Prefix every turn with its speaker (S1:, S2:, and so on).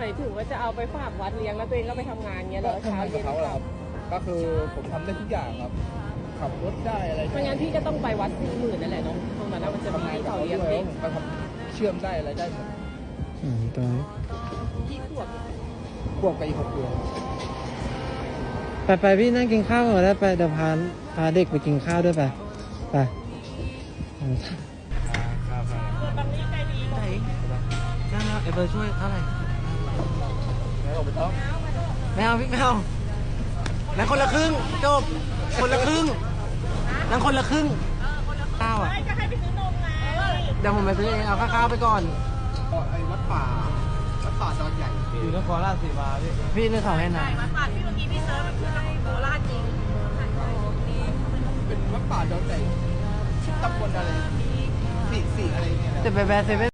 S1: มายถึงว่าจะเอาไปฝากวัดเลี้ยงแล้วตัวเองก็ไปทำงานเงี้ยเหรอ
S2: ทำ
S1: เช้าง
S2: านกั
S1: เย็
S2: บ
S1: น
S2: เขาแหละ
S1: ก
S2: ค
S1: ลั
S2: รับ ก็คือผมทำได้ทุกอย่างครับ ขับรถได้อะไร
S1: ไม่งั้นพี่ก็ต้องไปวัด40,000นั่นแหละเนาะตรงนั้นนะมันจะมี
S2: ทำงาน
S1: ที่
S2: กับ
S1: เขา
S2: เขา
S1: เลี้ยง
S2: ด้วย
S1: เด็ก
S2: ผมก็ทำเชื่อมได้อะไรได้หมด
S3: ตัวนี้
S1: ที่ขวบ
S2: ควบกับอีก6 เดือน
S3: ไปพี่นั่งกินข้าวก่อนได้ไปเดี๋ยวพาเด็กไปกินข้าวด้วยไปไป
S1: บางนี้ใจดี
S3: ไหนนั่งแล้วเอเบอร์ช่วยเท่าไหร่
S2: แล้วเราไปต้อง
S3: ไม่เอาพี่ไม่เอานั่งคนละครึ่งจบคนละครึ่งนั่งคนละครึ่งข้าวอ่ะ
S1: จะให้ไปซื้อนมไง
S3: เดี๋ยวผมไปซื้อเองเอาข้าวไปก่อน
S2: ไอ้วัดป่าดอนใหญ่
S3: อยู่นครราชสีมาพี่นึกเขาให้นาย
S1: วัดป่าที่เมื่อกี้พี่เซิร์ชมันคือโคราชจริง
S2: เป็นวัดป่าดอนใหญ่ตำบลอะไรสี่อะไรเนี่ย
S3: จะไปแบร์เซเว่น